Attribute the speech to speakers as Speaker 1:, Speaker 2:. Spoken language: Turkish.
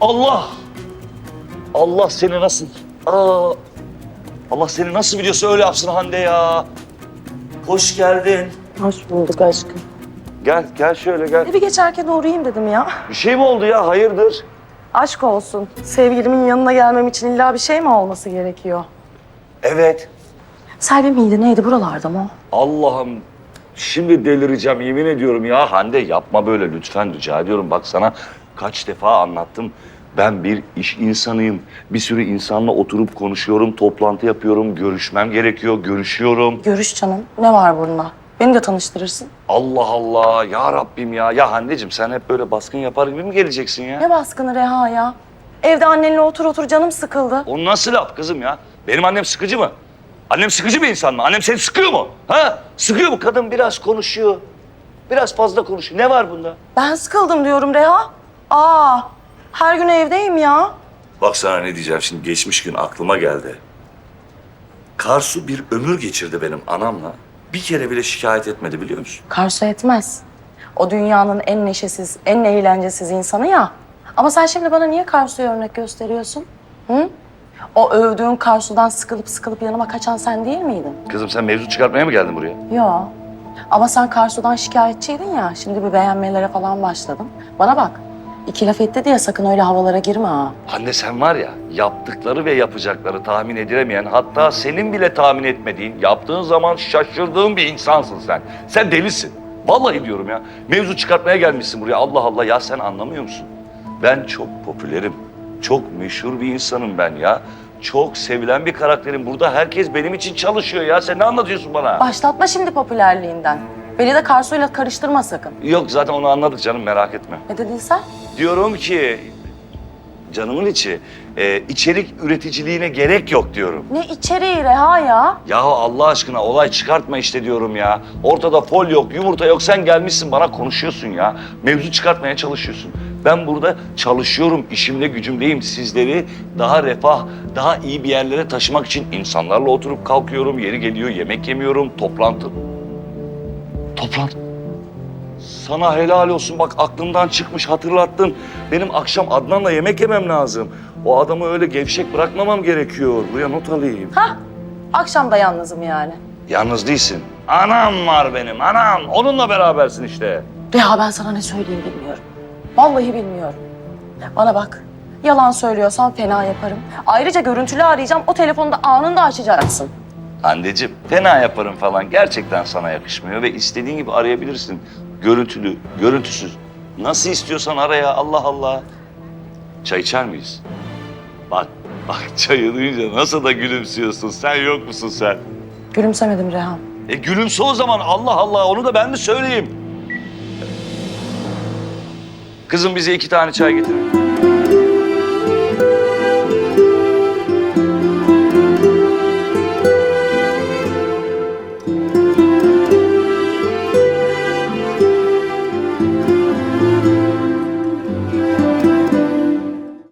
Speaker 1: Allah! Allah seni nasıl... Allah seni nasıl biliyorsa öyle yapsın Hande ya. Hoş geldin.
Speaker 2: Hoş bulduk aşkım.
Speaker 1: Gel şöyle gel.
Speaker 2: Bir geçerken uğrayayım dedim ya.
Speaker 1: Bir şey mi oldu ya? Hayırdır?
Speaker 2: Aşk olsun. Sevgilimin yanına gelmem için illa bir şey mi olması gerekiyor?
Speaker 1: Evet.
Speaker 2: Selvi miydi neydi buralarda mı o?
Speaker 1: Allah'ım şimdi delireceğim yemin ediyorum ya. Hande yapma böyle lütfen rica ediyorum. Bak sana kaç defa anlattım. Ben bir iş insanıyım. Bir sürü insanla oturup konuşuyorum, toplantı yapıyorum, görüşmem gerekiyor, görüşüyorum.
Speaker 2: Görüş canım. Ne var bunda? Beni de tanıştırırsın.
Speaker 1: Allah Allah ya Rabbim ya. Ya Hande'cim sen hep böyle baskın yapar gibi mi geleceksin ya?
Speaker 2: Ne baskını Reha ya? Evde annenle otur canım sıkıldı.
Speaker 1: O nasıl laf kızım ya? Benim annem sıkıcı mı? Annem sıkıcı bir insan mı? Annem seni sıkıyor mu? Ha? Sıkıyor mu? Kadın biraz konuşuyor. Biraz fazla konuşuyor. Ne var bunda?
Speaker 2: Ben sıkıldım diyorum Reha. Her gün evdeyim ya.
Speaker 1: Bak sana ne diyeceğim şimdi geçmiş gün aklıma geldi. Karsu bir ömür geçirdi benim anamla. Bir kere bile şikayet etmedi biliyor musun?
Speaker 2: Karşı etmez. O dünyanın en neşesiz, en eğlencesiz insanı ya. Ama sen şimdi bana niye Karsu'ya örnek gösteriyorsun? Hı? O övdüğün Karsu'dan sıkılıp yanıma kaçan sen değil miydin?
Speaker 1: Kızım sen mevzu çıkartmaya mı geldin buraya?
Speaker 2: Yo. Ama sen Karsu'dan şikayetçiydin ya. Şimdi bir beğenmelere falan başladın. Bana bak. 2 laf etti diye sakın öyle havalara girme ha.
Speaker 1: Anne sen var ya yaptıkları ve yapacakları tahmin edilemeyen hatta senin bile tahmin etmediğin yaptığın zaman şaşırdığın bir insansın sen. Sen delisin. Vallahi diyorum ya. Mevzu çıkartmaya gelmişsin buraya. Allah Allah ya sen anlamıyor musun? Ben çok popülerim. Çok meşhur bir insanım ben ya. Çok sevilen bir karakterim. Burada herkes benim için çalışıyor ya. Sen ne anlatıyorsun bana?
Speaker 2: Başlatma şimdi popülerliğinden. Beni de Karsu'yla karıştırma sakın.
Speaker 1: Yok zaten onu anladık canım merak etme.
Speaker 2: Ne dedin sen?
Speaker 1: Diyorum ki canımın içi içerik üreticiliğine gerek yok diyorum.
Speaker 2: Ne içeriği Reha ya?
Speaker 1: Yahu Allah aşkına olay çıkartma işte diyorum ya. Ortada fol yok, yumurta yok. Sen gelmişsin bana konuşuyorsun ya. Mevzu çıkartmaya çalışıyorsun. Ben burada çalışıyorum, işimde gücümdeyim. Sizleri daha refah, daha iyi bir yerlere taşımak için insanlarla oturup kalkıyorum. Yeri geliyor yemek yemiyorum, toplantı. Sana helal olsun bak aklımdan çıkmış hatırlattın. Benim akşam Adnan'la yemek yemem lazım. O adamı öyle gevşek bırakmamam gerekiyor. Buraya not alayım.
Speaker 2: Hah, akşam da yalnızım yani.
Speaker 1: Yalnız değilsin. Anam var benim anam. Onunla berabersin işte.
Speaker 2: Reha ben sana ne söyleyeyim bilmiyorum. Vallahi bilmiyorum. Bana bak, yalan söylüyorsan fena yaparım. Ayrıca görüntülü arayacağım, o telefonu da anında açacaksın.
Speaker 1: Anneciğim fena yaparım falan gerçekten sana yakışmıyor ve istediğin gibi arayabilirsin. Görüntülü, görüntüsüz. Nasıl istiyorsan ara ya Allah Allah. Çay içer miyiz? Bak çayı duyunca nasıl da gülümsüyorsun. Sen yok musun sen?
Speaker 2: Gülümsemedim Reha.
Speaker 1: Gülümse o zaman Allah Allah onu da ben mi söyleyeyim? Kızım bize 2 tane çay getirin.